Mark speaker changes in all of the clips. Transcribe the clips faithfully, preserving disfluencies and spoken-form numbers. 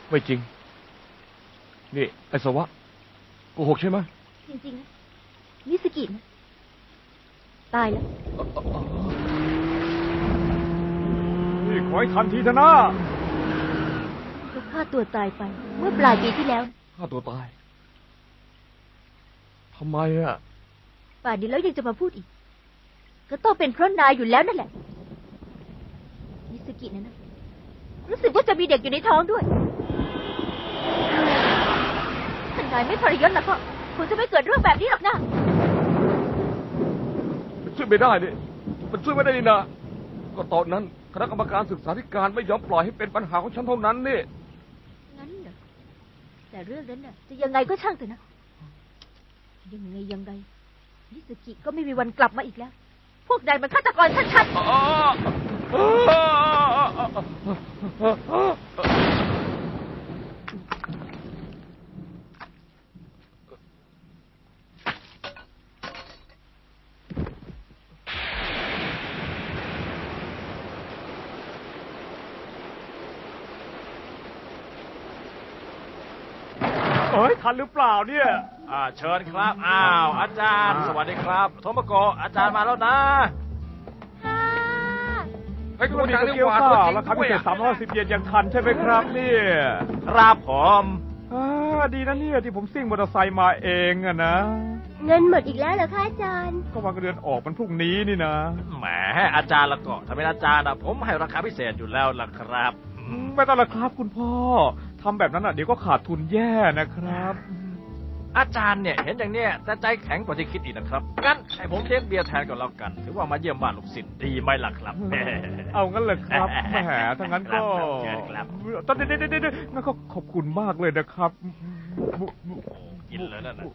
Speaker 1: ไม่จริงนี่ไอ้สวะโกหกใช่ไหม
Speaker 2: จริงๆนะมิสกินะตายแล้ว
Speaker 1: นี่ขอให้ทันทีเถอะนะ
Speaker 2: เขาฆ่าตัวตายไปเมื่อปลายปีที่แล้ว
Speaker 1: ฆ่าตัวตายทำไมอ่ะ
Speaker 2: ป่านนี้แล้วยังจะมาพูดอีกก็ต้องเป็นเพราะนายอยู่แล้วนั่นแหละมิสกินะนะรู้สึกว่าจะมีเด็กอยู่ในท้องด้วยถ้านายไม่ทรยศแล้วก็คงจะไม่เกิดเรื่องแบบนี้หรอกนะ
Speaker 1: มันช่วยไม่ได้นี่มันช่วยไม่ได้นี่นะก็ตอนนั้นคณะกรรมการศึกษาธิการไม่ยอมปล่อยให้เป็นปัญหาของฉันเท่านั้นนี่
Speaker 2: งั้นเหรอแต่เรื่องนั้นน่ะจะยังไงก็ช่างเถอะนะยังไงยังไงมิสกิก็ไม่มีวันกลับมาอีกแล้วพวกนายมันฆาตกรชัดๆ
Speaker 1: เฮ้ยทันหรือเปล่าเนี่ย
Speaker 3: อ่าเชิญครับอ้าวอาจารย์สวัสดีครับโทโมโกะอาจารย์มาแล้วนะ
Speaker 1: เฮ้ยคุณมีเกี๊ยวข้าวแล้วครับพิเศษสามร้อยสิบเยนยังทันใช่ไหมครับเนี่ย
Speaker 3: ครับผม
Speaker 1: อ่าดีนะเนี่ยที่ผมซิ่งมอเตอร์ไซค์มาเองอะนะ
Speaker 2: เงินหมดอีกแล้วเหรอคะอาจารย์
Speaker 1: ก็วางเดือนออกมันพรุ่งนี้นี่นะ
Speaker 3: แหมอาจารย์ละก็ถ้าเป็นอาจารย์นะผมให้ราคาพิเศษอยู่แล้วล่ะครับ
Speaker 1: ไม่ต้องละครับคุณพ่อทำแบบนั้นอ่ะเดี๋ยวก็ขาดทุนแย่นะครับ
Speaker 3: อาจารย์เนี่ยเห็นอย่างเนี้ยแต่ใจแข็งกว่าที่คิดอีกนะครับงั้นให้ผมเลี้ยงเบียร์แทนก่อนแล้วกันถือว่ามาเยี่ยมบ้านลูกศิษย์ดีไหมล่ะครับ
Speaker 1: เอางั้นเลยครับแหมถ้างั้นก็ตอนเด็ดๆๆงั้นก็ขอบคุณมากเลยนะครับ
Speaker 3: กินเลยนั่นนะ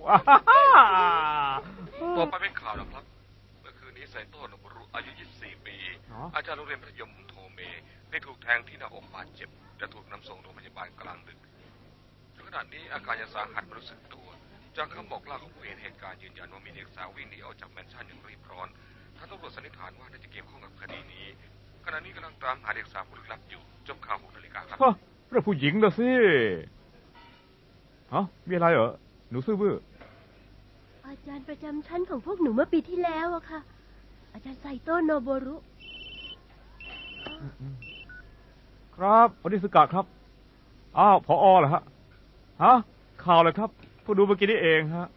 Speaker 1: ต่อไปเป็นข่าวนะครับเมื่อคืนนี้ไซโต้โนบุรุอายุยี่สิบสี่ปีอาจารย์โรงเรียนมัธยมโทเมได้ถูกแทงที่หน้าอกบาดเจ็บและถูกนำส่งโรงพยาบาลกลางดึกขณะนี้อาการยังสาหัสไม่รู้สึกตัวจากคำบอกเล่าของผู้เห็นเหตุการณ์ยืนยันว่ามีเด็กสาววิ่งหนีออกจากแมนชั่นอย่างรีบร้อนทางตำรวจสันนิษฐานว่าน่าจะเกี่ยวข้องกับคดีนี้ขณะนี้กำลังตามหาเด็กสาวผู้ลึกลับอยู่จบข่าวหกนาฬิกาครับเรื่องผู้หญิงนะสิฮะมีอะไรเหรอหนูซื่อบื้อ
Speaker 2: อาจารย์ประจำชั้นของพวกหนูเมื่อปีที่แล้วอะค่ะอาจารย์ไซโตะโนบุรุ
Speaker 1: ครับอนิสกะครับอ้าวผอ.เหรอฮะฮะข่าวเลยครับผู้ดูเมื่อกี้นี่เองฮะ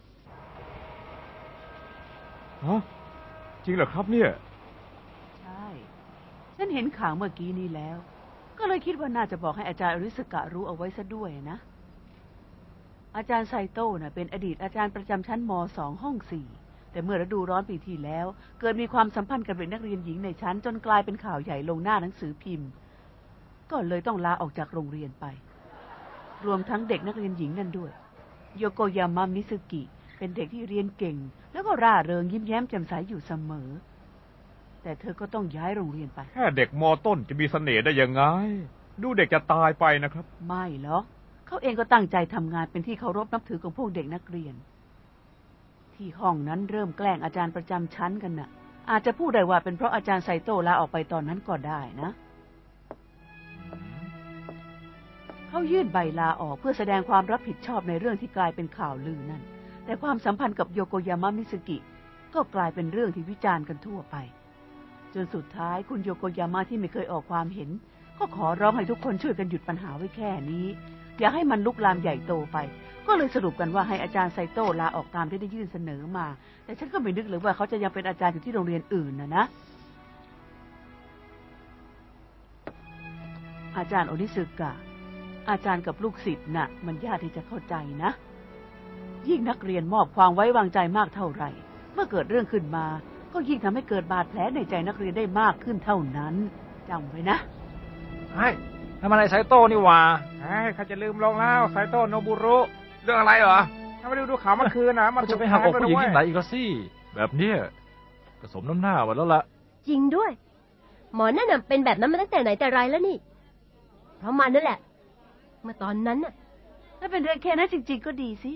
Speaker 1: ฮะจริงเหรอครับเนี่ย
Speaker 4: ใช่ฉันเห็นข่าวเมื่อกี้นี้แล้วก็เลยคิดว่าน่าจะบอกให้อาจารย์อนิสกะรู้เอาไว้ซะด้วยนะอาจารย์ไซโต้น่ะเป็นอดีตอาจารย์ประจำชั้นม.สอง ห้องสี่แต่เมื่อฤดูร้อนปีที่แล้วเกิดมีความสัมพันธ์กับเด็กนักเรียนหญิงในชั้นจนกลายเป็นข่าวใหญ่ลงหน้าหนังสือพิมพ์ก็เลยต้องลาออกจากโรงเรียนไปรวมทั้งเด็กนักเรียนหญิงนั่นด้วยโยโกยามามิซึกิเป็นเด็กที่เรียนเก่งแล้วก็ร่าเริงยิ้มแย้มแจ่มใสอยู่เสมอแต่เธอก็ต้องย้ายโรงเรียนไป
Speaker 1: แค่เด็กม.ต้นจะมีเสน่ห์ได้ยังไงดูเด็กจะตายไปนะครับ
Speaker 4: ไม่หรอกเขาเองก็ตั้งใจทำงานเป็นที่เคารพนับถือของพวกเด็กนักเรียนที่ห้องนั้นเริ่มแกล้งอาจารย์ประจำชั้นกันน่ะอาจจะพูดได้ว่าเป็นเพราะอาจารย์ไซโต้ลาออกไปตอนนั้นก็ได้นะเขายื่นใบลาออกเพื่อแสดงความรับผิดชอบในเรื่องที่กลายเป็นข่าวลือนั่นแต่ความสัมพันธ์กับโยโกยามามิซึกิก็กลายเป็นเรื่องที่วิจารณ์กันทั่วไปจนสุดท้ายคุณโยโกยาม่าที่ไม่เคยออกความเห็นก็ขอร้องให้ทุกคนช่วยกันหยุดปัญหาไว้แค่นี้อย่าให้มันลุกลามใหญ่โตไปก็เลยสรุปกันว่าให้อาจารย์ไซโต้ลาออกตามที่ได้ยื่นเสนอมาแต่ฉันก็ไม่นึกเลยว่าเขาจะยังเป็นอาจารย์อยู่ที่โรงเรียนอื่นนะนะอาจารย์โอนิสึกะอาจารย์กับลูกศิษย์น่ะมันยากที่จะเข้าใจนะยิ่งนักเรียนมอบความไว้วางใจมากเท่าไหร่เมื่อเกิดเรื่องขึ้นมาก็ยิ่งทำให้เกิดบาดแผลในใจนักเรียนได้มากขึ้นเท่านั้นจำไว้นะ
Speaker 3: ไอ้ทำอะไรไซโต้นี่วะ
Speaker 1: ไอ้ข้าจะลืมลงแล้วไซโต้โนบุรุเรื่องอะไรเหรอถ้าไม่ได้ดูข่าวเมื่อคืนนะมัน
Speaker 3: จะไปหักอกผู้หญิงที่ไหนอีกสิแบบเนี้ยผสมน้ำหน้ามาแล้วล่ะ
Speaker 2: จริงด้วยหมอนั่นน่ะเป็นแบบนั้นมาตั้งแต่ไหนแต่ไรแล้วนี่เพราะมันนั่นแหละเมื่อตอนนั้นน่ะ
Speaker 4: ถ้าเป็นเรื่องแค่นั้นจริงๆก็ดีสิ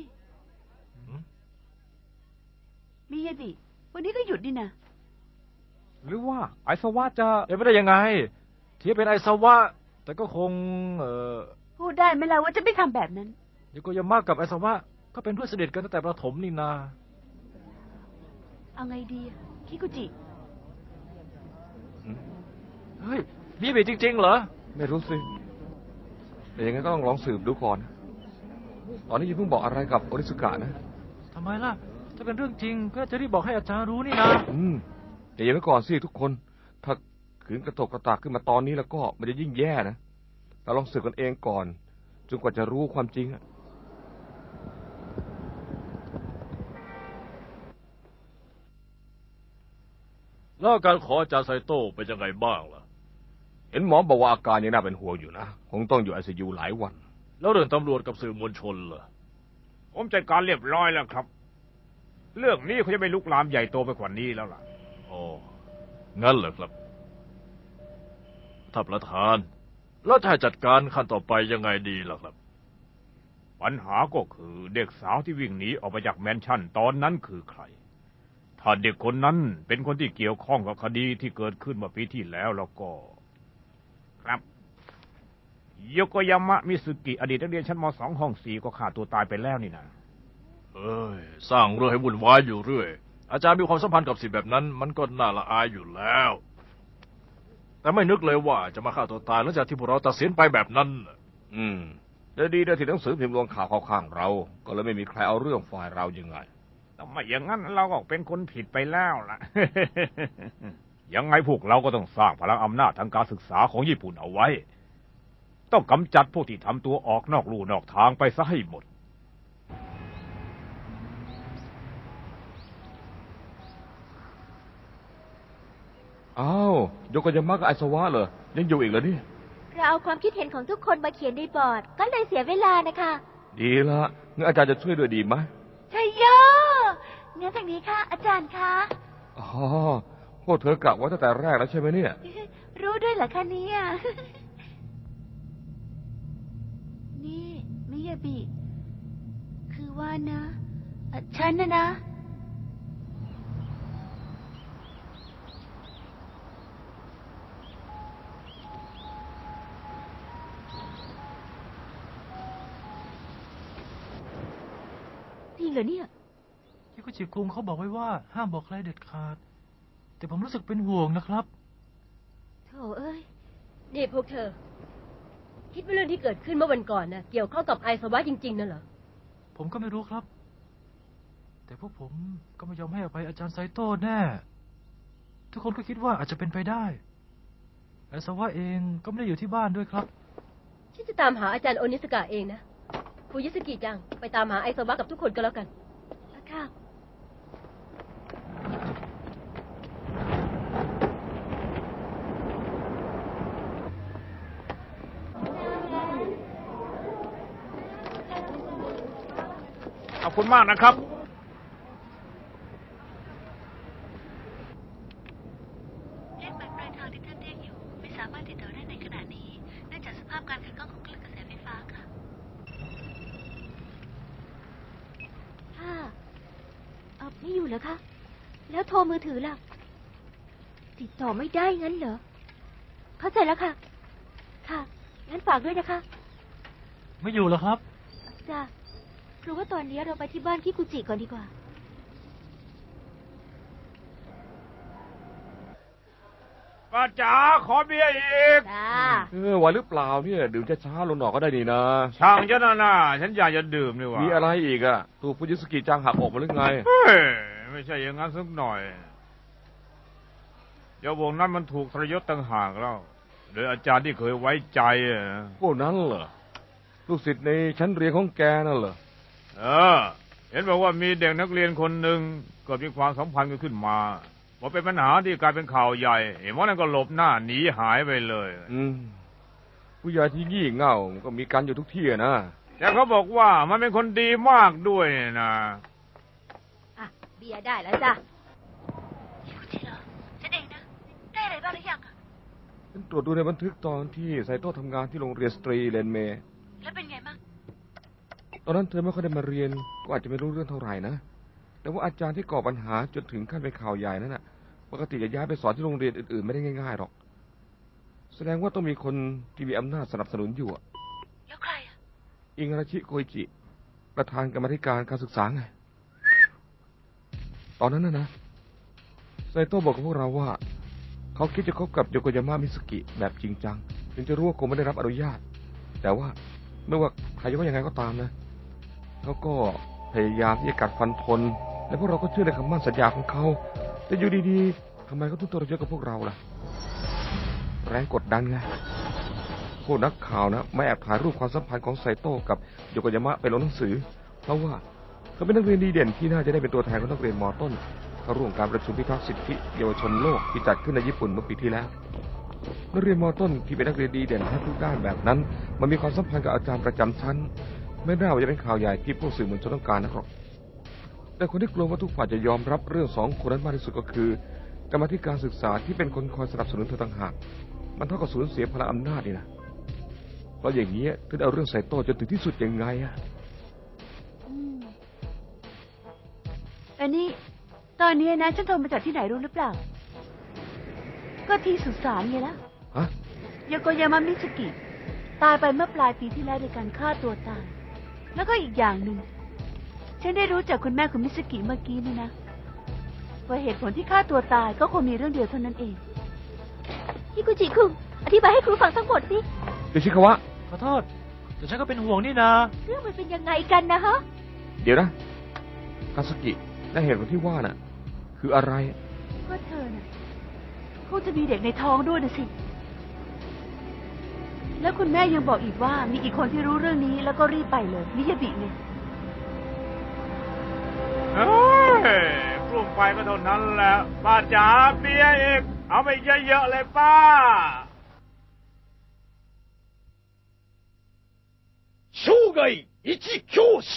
Speaker 4: มียดิวันนี้ก็หยุดนี่นะ
Speaker 1: หรือว่าไอสวะจะ
Speaker 3: เป็นไปได้ยังไงที่เป็นไอสวะแต่ก็คงเอ่อ
Speaker 4: พูดได้ไหมล่ะว่าจะไม่ทำแบบนั้น
Speaker 3: โยโกยาม่ากับไอซาวะก็เป็นเพื่อนสนิทกันตั้งแต่ประถมนี่นา
Speaker 4: เอาไงดีอะคิกุจิ
Speaker 3: เฮ้ยมีบีจริงๆเหรอ
Speaker 1: ไม่รู้สิแต่ยังไงก็ต้องลองสืบดูก่อน ตอนนี้อย่าเพิ่งบอกอะไรกับโอริสุกะนะ
Speaker 3: ทำไมล่ะ ถ้าเป็นเรื่องจริงก็จะรีบบอกให้อาจารย์รู้นี่นะ
Speaker 1: อืมแต่ยังไว้ก่อนสิทุกคน ถ้าขืนกระตกกระตากขึ้นมาตอนนี้แล้วก็มันจะยิ่งแย่นะเราลองสืบกันเองก่อนจนกว่าจะรู้ความจริงอะ
Speaker 3: แล้วการขออาจารย์ไซโต้เป็นยังไงบ้างล่ะ
Speaker 1: เห็นหมอบอกว่าอาการยังน่าเป็นห่วงอยู่นะคงต้องอยู่ไอซียูหลายวัน
Speaker 3: แล้วเรื่องตำรวจกับสื่อมวลชนล่ะ
Speaker 5: ผมจัดการเรียบร้อยแล้วครับ เรื่องนี้เขาจะไม่ลุกลามใหญ่โตไปกว่านี้แล้วล่ะ
Speaker 3: อ๋อ งั้นเหรอครับ ท่านประธาน แล้วถ้าจัดการขั้นต่อไปยังไงดีล่ะครับ
Speaker 5: ปัญหาก็คือเด็กสาวที่วิ่งหนีออกมาจากแมนชั่นตอนนั้นคือใคร ถ้าเด็กคนนั้นเป็นคนที่เกี่ยวข้องกับคดีที่เกิดขึ้นเมื่อปีที่แล้วแล้วก็ ครับโยโกยามะมิสุกิอดีตนักเรียนชั้นม สอง ห้องสี่ก็ฆ่าตัวตายไปแล้วนี่นะ
Speaker 3: เอ้ย สร้างเรื่องให้วุ่นวายอยู่เรื่อย อาจารย์มีความสัมพันธ์กับสิ่งแบบนั้น มันก็น่าละอายอยู่แล้ว แต่ไม่นึกเลยว่าจะมาฆ่าตัวตายหลังจากที่พวกเราตัดสินไปแบบนั้น
Speaker 1: อืมแต่ดีนะที่หนังสือพิมพ์ลงข่าวเข้าข้างเรา ก็เลยไม่มีใครเอาเรื่องฝ่ายเรายังไง
Speaker 5: แต่ไม่อย่างนั้นเราก็เป็นคนผิดไปแล้วล่ะ ยังไงพวกเราก็ต้องสร้างพลังอำนาจทางการศึกษาของญี่ปุ่นเอาไว้ ต้องกำจัดพวกที่ทำตัวออกนอกลู่นอกทางไปซะให้หมด
Speaker 1: อ้าวโยโกยามะกับไอซาวะเหรอยังอยู่อีกเหรอเนี่ย
Speaker 2: เราเอาความคิดเห็นของทุกคนมาเขียนในบอร์ด ก็เลยเสียเวลานะคะ
Speaker 1: ดีละงั้นอาจารย์จะช่วยด้วยดีไหม
Speaker 2: ชัยโยงั้นทางนี้ค่ะ อาจารย์คะ
Speaker 1: อ๋อพวกเธอกะว่าตั้งแต่แรกแล้วใช่ไหมเนี่ย
Speaker 2: รู้ด้วยเหรอคะเนี่ย นี่มิยาบิ คือว่านะเอ่อฉันนะนะ จริงเหรอเนี่ย
Speaker 3: ที่กุจิคุงเขาบอกไว้ว่าห้ามบอกใครเด็ดขาด แต่ผมรู้สึกเป็นห่วงนะครับ
Speaker 2: โธ่เอ้ย นี่พวกเธอ คิดว่าเรื่องที่เกิดขึ้นเมื่อวันก่อนนะเกี่ยวข้องกับไอซาวะจริงๆน่ะเหรอ
Speaker 3: ผมก็ไม่รู้ครับ แต่พวกผมก็ไม่ยอมให้อภัยอาจารย์ไซโต้แน่ ทุกคนก็คิดว่าอาจจะเป็นไปได้ไอซาวะเองก็ไม่ได้อยู่ที่บ้านด้วยครับ
Speaker 2: ฉันจะตามหาอาจารย์โอนิสกะเองนะฟูยิสกิจัง ไปตามหาไอซาวะกับทุกคนก็แล้วกันค่ะ
Speaker 5: ขอบคุณมากนะครับ
Speaker 6: เลขหมายปลายทางที่ท่านเรียกอยู่ไม่สามารถติดต่อได้ในขณะนี้เนื่องจากสภาพการขัดข้องของคลื่นกระแสไฟฟ้าค่ะ
Speaker 2: ค่ะเออไม่อยู่เหรอคะ แล้วโทรมือถือล่ะ ติดต่อไม่ได้งั้นเหรอ เข้าใจแล้วค่ะ ค่ะ งั้นฝากด้วยนะคะ
Speaker 3: ไม่อยู่เหรอครับ
Speaker 2: จ้ะคือว่าตอนนี้เราไปที่บ้านคิกุจิก่อนดีกว่า
Speaker 5: ป้าจ๋าขอเบียร์อีก
Speaker 2: จ้า
Speaker 1: เออไหวหรือเปล่าเนี่ยดื่มช้าๆลงหน่อยก็ได้นี่นะ
Speaker 5: ช่างฉันนะนะฉันอยากจะดื่มนี่หว่า
Speaker 1: มีอะไรอีกอะตัวฟูจิสกิจังหักอกมาหรือไง
Speaker 5: เฮ้ยไม่ใช่อย่างนั้นสักหน่อยเดี๋ยววงนั้นมันถูกทรยศต่างหากแล้วโดยอาจารย์ที่เคยไว้ใจอะ
Speaker 1: พวกนั้นเหรอลูกศิษย์ในชั้นเรียนของแกนั่นเหรอ
Speaker 5: เออ เห็นบอกว่ามีเด็กนักเรียนคนหนึ่งเกิดมีความสัมพันธ์กันขึ้นมาพอเป็นปัญหาที่กลายเป็นข่าวใหญ่เห็นว่านั่นก็หลบหน้าหนีหายไปเลย
Speaker 1: อืมผู้ใหญ่ที่งี่เง่าก็มีกันอยู่ทุกที่อะนะ
Speaker 5: แต่เขาบอกว่ามันเป็นคนดีมากด้วยนะ
Speaker 2: อ่ะ เบียร์ได้แล้วจ้ะ
Speaker 6: คิกุจิเหรอ ฉันเองนะ ได้อะไรบ้างหรือยังอะ
Speaker 1: ฉันตรวจดูในบันทึกตอนที่ไซโต้ทำงานที่โรงเรียนสตรีเรนเมย์
Speaker 6: แล้วเป็นไงบ้าง
Speaker 1: ตอนนั้นเธอไม่ค่อยได้มาเรียนก็อาจจะไม่รู้เรื่องเท่าไหร่นะแต่ว่าอาจารย์ที่ก่อปัญหาจนถึงขั้นเป็นข่าวใหญ่นั่นน่ะปกติจะย้ายไปสอนที่โรงเรียนอื่นๆไม่ได้ง่ายๆหรอกแสดงว่าต้องมีคนที่มีอำนาจสนับสนุนอยู่อะ
Speaker 6: แล้วใคร
Speaker 1: อิงาราชิโกอิจิประธานกรรมาธิการการศึกษาไงตอนนั้นนะนะไซโต้บอกกับพวกเราว่าเขาคิดจะคบกับโยโกยาม่ามิสกิแบบจริงจังถึงจะรู้ว่าคงไม่ได้รับอนุญาตแต่ว่าไม่ว่าใครจะว่ายังไงก็ตามนะเขาก็พยายามที่จะกัดฟันทนและพวกเราก็เชื่อในคำมั่นสัญญาของเขาแต่อยู่ดีๆทำไมเขาถึงตัวเราเยอะกับพวกเราล่ะแรงกดดันไงพวกนักข่าวนะไม่แอบถ่ายรูปความสัมพันธ์ของไซโต้กับโยโกยามะไปลงหนังสือเพราะว่าเขาเป็นนักเรียนดีเด่นที่น่าจะได้เป็นตัวแทนของนักเรียนม.ต้นเข้าร่วมการประชุมพิทักษ์สิทธิเยาวชนโลกที่จัดขึ้นในญี่ปุ่นเมื่อปีที่แล้วนักเรียนม.ต้นที่เป็นนักเรียนดีเด่นทั้งทุกด้านแบบนั้นมันมีความสัมพันธ์กับอาจารย์ประจำชั้นไม่น่าว่าจะเป็นข่าวใหญ่ที่พวกสื่อมวลชนต้องการนะครับแต่คนที่กลัวว่าทุกฝ่ายจะยอมรับเรื่องสองคนนั้นมากที่สุดก็คือกรรมาธิการศึกษาที่เป็นคนคอยสนับสนุนเธอต่างหากมันเท่ากับสูญเสียพลังอำนาจนี่นะเพราะอย่างนี้ถึงเอาเรื่องไซโต้จนถึงที่สุดยังไงอะ
Speaker 4: อันนี้ตอนนี้นะฉันโทรมาจากที่ไหนรู้หรือเปล่าก็ที่สุสานไงล่ะ
Speaker 1: ฮะ
Speaker 4: โยโกยามามิสกิตายไปเมื่อปลายปีที่แล้วในการฆ่าตัวตายแล้วก็อีกอย่างหนึ่งฉันได้รู้จากคุณแม่คุณมิสกิเมื่อกี้นี่นะว่าเหตุผลที่ฆ่าตัวตายก็คงมีเรื่องเดียวเท่านั้นเอง
Speaker 2: ฮิกุจิคุงอธิบายให้ครูฟังทั้งหมดสิ
Speaker 1: โยชิคาวะ
Speaker 3: ขอโทษแต่ฉันก็เป็นห่วงนี่นะ
Speaker 2: เรื่องมันเป็นยังไงกันนะฮะ
Speaker 1: เดี๋ยวนะคาสึกิและเหตุผลที่ว่าน่ะคืออะไร
Speaker 4: ก็เธอน่ะคงจะมีเด็กในท้องด้วยนะสิแล้วคุณแม่ยังบอกอีกว่ามีอีกคนที่รู้เรื่องนี้แล้วก็รีบไปเลยมิยาบิไง
Speaker 5: เฮ้ยปรุงไปก็เท่านั้นแหละป้าจ๋าเบียร์อีกเอาไปเยอะๆเลยป้า
Speaker 7: 生涯一教師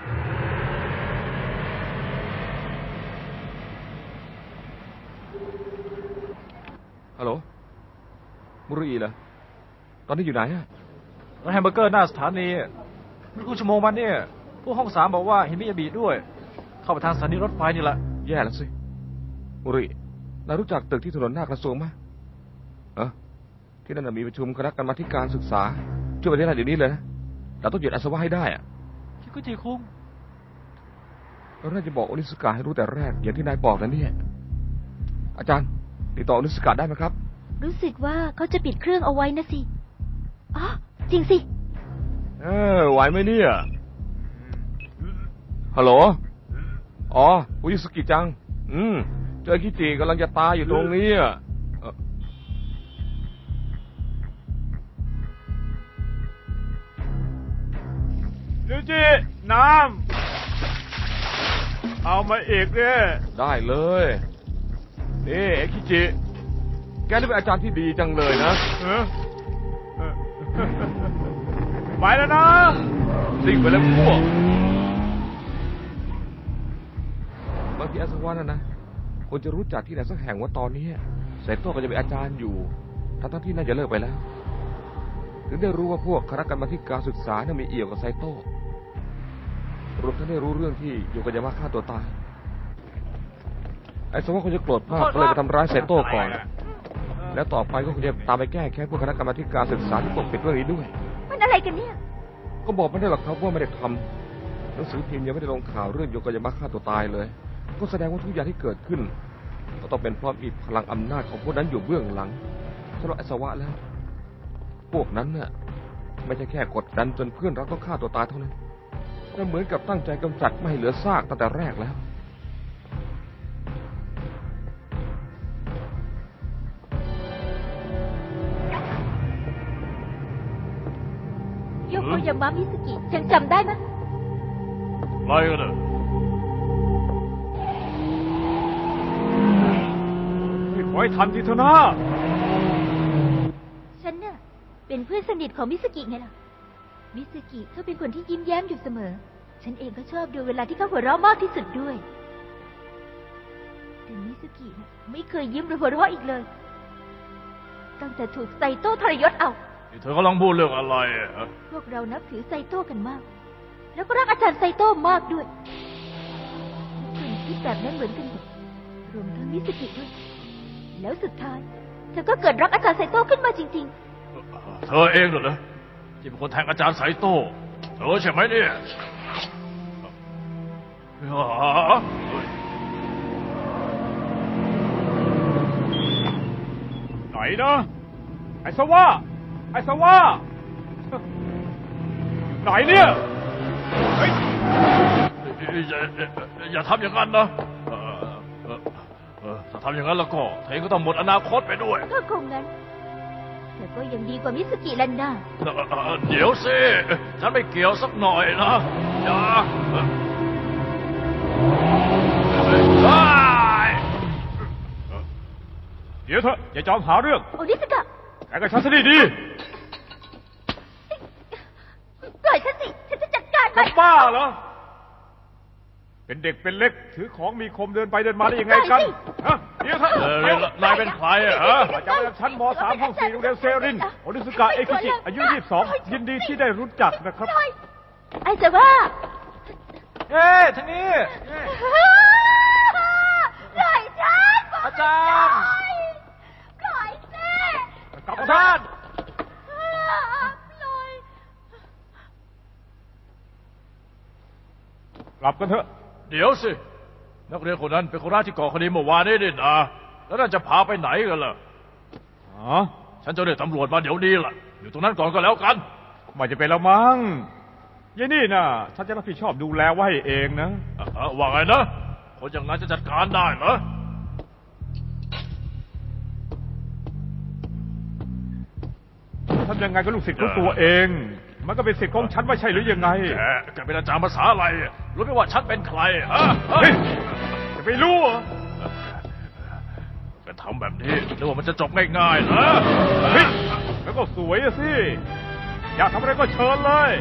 Speaker 1: ฮัลโหลมุรุอีเหรอตอนนี้อยู่ไหนอะ
Speaker 3: ร้านแฮมเบอร์เกอร์หน้าสถานีไม่รู้ชั่วโมงมันเนี่ยพวกห้องสามบอกว่าเห็นมิยาบิด้วยเข้าไปทางสถานีรถไฟนี่แหละ
Speaker 1: แย่แล้วสิมุรุอีนายรู้จักตึกที่ถนนหน้ากระทรวงไหมเออที่นั่นมีประชุมคณะกรรมาธิการศึกษาช่วยไปที่นั่นเดี๋ยวนี้เลยนะเราต้องหยุดอาสวะให้ได้อะ
Speaker 3: คิกุจิคุง
Speaker 1: เราน่าจะบอกโอนิสกะให้รู้แต่แรกอย่างที่นายบอกนะเนี่ยอาจารย์ติดต่อโอนิสกะได้ไหมครับ
Speaker 2: รู้สึกว่าเขาจะปิดเครื่องเอาไว้นะสิอ๋อจริงสิ
Speaker 1: เออไหวไหมเนี่ยฮัลโหลอ๋อโอนิสกิจังอืมเจอคิจิกำลังจะตายอยู่ตรงนี้อ่ะ
Speaker 5: ยูจิน้ำเอามาอีกเนี่ย
Speaker 1: ได้เลยนี่เอคิจิแกนี่เป็นอาจารย์ที่ดีจังเลยนะ
Speaker 5: ไปแล้วนะ
Speaker 1: สิ่งไปแล้วพวกบางทีอาสวะนะนะคนจะรู้จักที่ไหนสักแห่งว่าตอนนี้ไซโต้ก็จะเป็นอาจารย์อยู่ทั้งที่น่าจะเลิกไปแล้วถึงได้รู้ว่าพวกคณะกรรมาธิการศึกษาเนี่ยมีเอี่ยวกับไซโต้รวมทั้งได้รู้เรื่องที่โยโกยามะฆ่าตัวตายไอ้สวะคงจะโกรธมากก็เลยไปทำร้ายไซโต้ก่อนแล้วต่อไปก็คงจะตามไปแก้แค้นพวกคณะกรรมาธิการศึกษาที่ปกปิดเรื่องนี้ด้วย
Speaker 2: มันอะไรกันเนี่ย
Speaker 1: ก็บอกไม่ได้หรอกครับว่าไม่ได้ทำหนังสือพิมพ์ยังไม่ได้ลงข่าวเรื่องโยโกยามะฆ่าตัวตายเลยก็แสดงว่าทุกอย่างที่เกิดขึ้นก็ต้องเป็นเพราะมีพลังอำนาจของพวกนั้นอยู่เบื้องหลังสำหรับไอ้สวะแล้วพวกนั้นน่ะไม่ใช่แค่กดดันจนเพื่อนเราต้องฆ่าตัวตายเท่านั้นแต่เหมือนกับตั้งใจกำจัดไม่ให้เหลือซากตั้งแต่แรกแล้ว
Speaker 2: โยโกยามะมิสกิยังจำได้ไหม
Speaker 5: อะไรกันเนี่ยขอให้ทันทีเถอะนะ
Speaker 2: ฉันน่ะเป็นเพื่อนสนิทของมิสกิไงล่ะมิสกิเขาเป็นคนที่ยิ้มแย้มอยู่เสมอฉันเองก็ชอบดูเวลาที่เขาหัวเราะมากที่สุดด้วยแต่มิสกิน่ะไม่เคยยิ้มหรือหัวเราะอีกเลยตั้งแต่ถูกไซโต้ทรยศเอา
Speaker 5: เธอกำลังพูดเรื่องอะไรอ่ะ
Speaker 2: พวกเรานับถือไซโต้กันมากแล้วก็รักอาจารย์ไซโต้มากด้วยทุกคนคิดแบบนั้นเหมือนกันหมดรวมทั้งมิสกิด้วยแล้วสุดท้ายเธอก็เกิดรักอาจารย์ไซโต้ขึ้นมาจริง
Speaker 5: ๆเธอเองเหรอที่เป็นคนแทงอาจารย์ไซโต้
Speaker 3: เออใช่ไหมเนี่ย
Speaker 5: ไหนนะไอ้สวะไอ้สวะไหนเนี่ยเฮ้ย
Speaker 3: อย่าอย่าทำอย่างนั้นนะถ้าทำอย่างนั้นแล้วก็เธอก็ต้องหมดอนาคตไปด้วย
Speaker 2: ก็คงงั้นแต่ก็ยังดีกว่ามิสกิแลนน่า
Speaker 3: เดี๋ยวสิฉันไม่เกี่ยวสักหน่อยนะอย่า
Speaker 5: เดี๋ยวเถอะอย่าจอมหาเรื่อง
Speaker 2: โอนิสกะ
Speaker 5: แกกับฉันซะดี
Speaker 2: ปล่อยฉันสิฉันจะจัดการ
Speaker 5: ๆ
Speaker 2: มั
Speaker 5: จะ
Speaker 2: น
Speaker 5: บ้าเหรอเป็นเด็กเป็นเล็กถือของมีคมเดินไปเดินมาได้ยังไงกันฮะเดี๋ยวเถอะ
Speaker 3: นายเป็นใครอะฮะ
Speaker 5: อาจารย์ประจำชั้นม สาม ห้องสี่โรงเรียนเซรินโอนิสุกะเอคิจิอายุยี่สิบสองยินดีที่ได้รู้จักนะครับ
Speaker 2: ไอ้จะว่า
Speaker 3: เฮ้ทางนี้
Speaker 2: ปล่อยฉัน
Speaker 3: อาจารย์
Speaker 2: ปล่อยแม่
Speaker 5: กลับ
Speaker 3: อา
Speaker 5: มา
Speaker 3: จารย์
Speaker 2: ปล่อย
Speaker 5: กลับกันเถอะ
Speaker 3: เดี๋ยวสินักเรียนคนนั้นเป็นคนแรกที่ก่อคดีเมื่อวานนี้นี่นะแล้วน่าจะพาไปไหนกันล่ะ
Speaker 5: อ๋อ
Speaker 3: ฉันจะเรียกตำรวจมาเดี๋ยวนี้ล่ะอยู่ตรงนั้นก่อนก็แล้วกัน
Speaker 5: ไม่จะเป็นแล้วมั้งยายนี่น่ะฉันจะรับผิดชอบดูแลไว้เองนะ
Speaker 3: อ่ะว่าไงนะคนอย่างนั้นจะจัดการได้เหรอ
Speaker 5: ทำยังไงก็ลูกศิษย์ของตัวเอง มันก็เป็นศิษย์ของฉันไม่ใช่หรือยังไง
Speaker 3: แกแกเป็นอาจารย์ภาษาอะไรรู้ไหมว่าฉันเป็นใครฮะ
Speaker 5: เฮ้ยจะไปรู้เหรอ
Speaker 3: แกทำแบบนี้นึกว่ามันจะจบง่ายๆเหรอ
Speaker 5: เฮ้ยแล้วก็สวยอะสิอยากทำอะไรก็เชิญเลย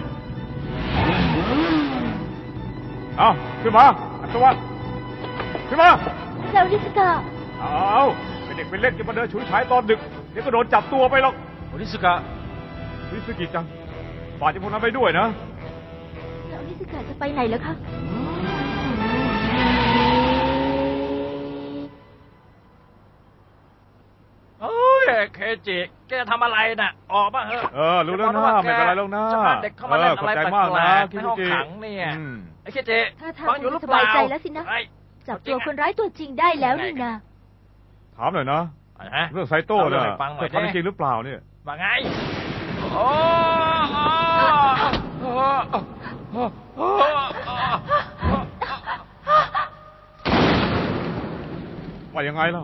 Speaker 5: เอาขึ้นมาอัศวะขึ้นมา
Speaker 2: เจ้านิสกะ
Speaker 5: เอาเป็นเด็กเป็นเล็กจะมาเดินฉุยฉายตอนดึกเดี๋ยวก็โดนจับตัวไปหรอก
Speaker 3: โอนิสกะ
Speaker 5: วิสกิจังฝากเจ้าพวกนั้นไปด้วยนะ
Speaker 2: แล้วนิสกะจะไปไหนแล้วคะ
Speaker 3: โอ้ยเคจิแกจะทำอะไรน่ะออกมาเถอะ
Speaker 5: เออรู้แล้วนะไม่เป็นไรแล้วนะ
Speaker 3: จะพาเด็กเข้ามาเล่นอะไร
Speaker 5: ขอบใจ
Speaker 3: แปล
Speaker 5: มากนะ
Speaker 3: กๆในห้องขังเนี่ยไอ้เคจิ
Speaker 2: ถ้าทาง
Speaker 3: ฟังอยู่หรือ
Speaker 2: ส
Speaker 3: เปล่า
Speaker 2: บายใจแล้วสินะ
Speaker 3: ไอ้
Speaker 2: จับตัวคนร้ายตัวจริงได้แล้วนี่นะ
Speaker 5: ถามหน่อยนะ
Speaker 3: ฮะ
Speaker 5: เรื่องไซโต้
Speaker 3: เอาเรื่
Speaker 5: เนี่
Speaker 3: อย งให้ฟังหน่อย
Speaker 5: เธอทำจริงหรือเปล่าเนี่ย
Speaker 3: ว่าไงโอ้โอ้
Speaker 5: ว่ายังไงล่ะ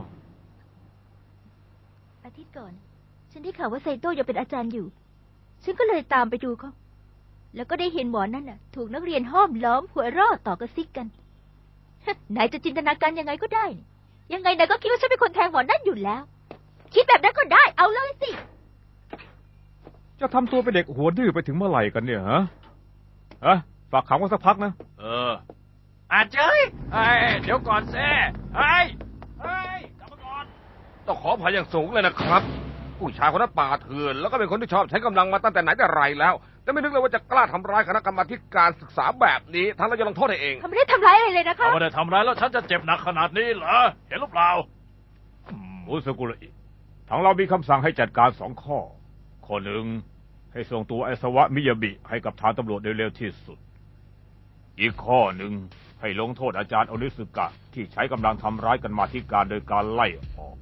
Speaker 2: อาทิตย์ก่อน ฉันได้ข่าวว่าไซโต้ยังเป็นอาจารย์อยู่ ฉันก็เลยตามไปดูเขา แล้วก็ได้เห็นหมอนั่นน่ะ ถูกนักเรียนห้อมล้อมหัวเรอต่อกระซิกกัน นายจะจินตนาการยังไงก็ได้ ยังไงนายก็คิดว่าฉันเป็นคนแทงหมอนั่นอยู่แล้ว คิดแบบนั้นก็ได้ เอาเลยสิ
Speaker 5: จะทำตัวเป็นเด็กหัวดื้อไปถึงเมื่อไหร่กันเนี่ยฮะฮะฝากขังไว้สักพักนะ
Speaker 3: เอออาเจ้ยไอ้เดี๋ยวก่อนเซ่ไอ้ไอ้กลับมาก่อน
Speaker 1: ต้องขออภัยอย่างสูงเลยนะครับ ผู้ชายคนนั้นป่าเถื่อนแล้วก็เป็นคนที่ชอบใช้กำลังมาตั้งแต่ไหนแต่ไรแล้ว แต่ไม่นึกเลยว่าจะกล้าทำร้ายคณะกรรมาธิการศึกษาแบบนี้ท่านเราจะลงโทษให้เอง
Speaker 2: เขาไม่ได้ทำร้ายอะไรเลยนะคะ
Speaker 3: ถ้าไม่ได้ทำร้ายแล้วฉันจะเจ็บหนักขนาดนี้เหรอเห็นหรือเปล่า
Speaker 5: อุสกุระอิทางเรามีคำสั่งให้จัดการสองข้อ ข้อหนึ่งให้ส่งตัวไอสวะมิยาบิให้กับทางตำรวจโดยเร็วที่สุด อีกข้อหนึ่งให้ลงโทษอาจารย์โอนิสึกะที่ใช้กำลังทำร้ายกันมาที่การโดยการไล่ออก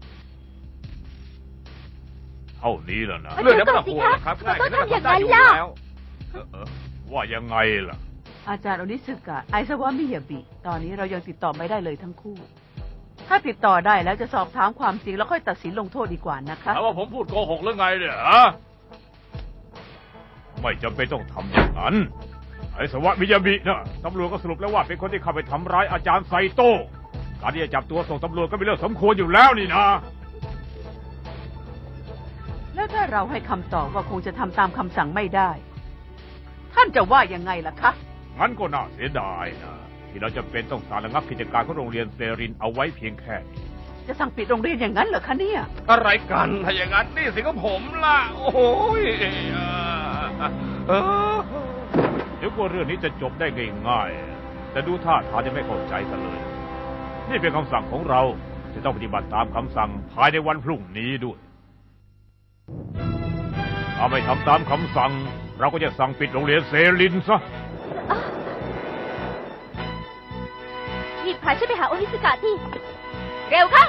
Speaker 5: เท่านี้แล้วนะ
Speaker 1: เรื่องนี้ไม่ต้องห่วงนะครับ
Speaker 2: มันต้องทำอย่างนั้น
Speaker 1: อยู่
Speaker 2: ล่ะ
Speaker 1: แล้ว
Speaker 5: เออเออว่ายังไงล่ะ
Speaker 4: อาจารย์โอนิสึกะไอซาวะมิยาบิ ตอนนี้เรายังติดต่อไม่ได้เลยทั้งคู่ ถ้าติดต่อได้แล้วจะสอบถามความจริงแล้วค่อยตัดสินลงโทษดีกว่านะคะ
Speaker 3: แล้วว่าผมพูดโกหกหรือไงเนี่ยฮะ
Speaker 5: ไม่จำเป็นต้องทำอย่างนั้น ไอสวะมิยาบินะตำรวจก็สรุปแล้วว่าเป็นคนที่เข้าไปทำร้ายอาจารย์ไซโต้การที่จะจับตัวส่งตำรวจก็เป็นเรื่องสมควรอยู่แล้วนี่นะ
Speaker 4: แล้วถ้าเราให้คำตอบว่าคงจะทำตามคำสั่งไม่ได้ ท่านจะว่ายังไงล่ะคะ
Speaker 5: งั้นก็น่าเสียดายนะที่เราจะเป็นต้องสั่งระงับกิจการของโรงเรียนเซรินเอาไว้เพียงแค่นี้
Speaker 4: จะสั่งปิดโรงเรียนอย่างนั้นเหรอคะเนี่ย
Speaker 1: อะไรกันถ้าอย่างนั้นนี่สิของผมล่ะ โอ้โหเออ
Speaker 5: เดี๋ยวกว่าเรื่องนี้จะจบได้ง่ายๆแต่ดูท่าทางจะไม่เข้าใจกันเลย นี่เป็นคำสั่งของเราจะต้องปฏิบัติตามคำสั่งภายในวันพรุ่งนี้ด้วยถ้าไม่ทำตามคำสั่งเราก็จะสั่งปิดโรงเรียนเซรินซะ
Speaker 2: อ่ะรีบพาฉันไปหาโอนิสกะทีเร็วเข้า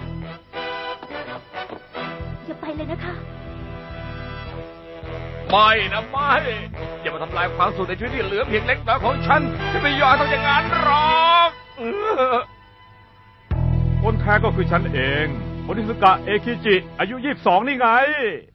Speaker 2: อย่าไปเลยนะคะ
Speaker 1: ไม่นะไม่ อย่ามาทำลายความสุขในชีวิตที่เหลือเพียงเล็กน้อยของฉันฉันไม่ยอมทำอย่างนั้นหรอกเออ
Speaker 5: คนแท้ก็คือฉันเองโอนิสกะเอคิจิ อายุยี่สิบสองนี่ไง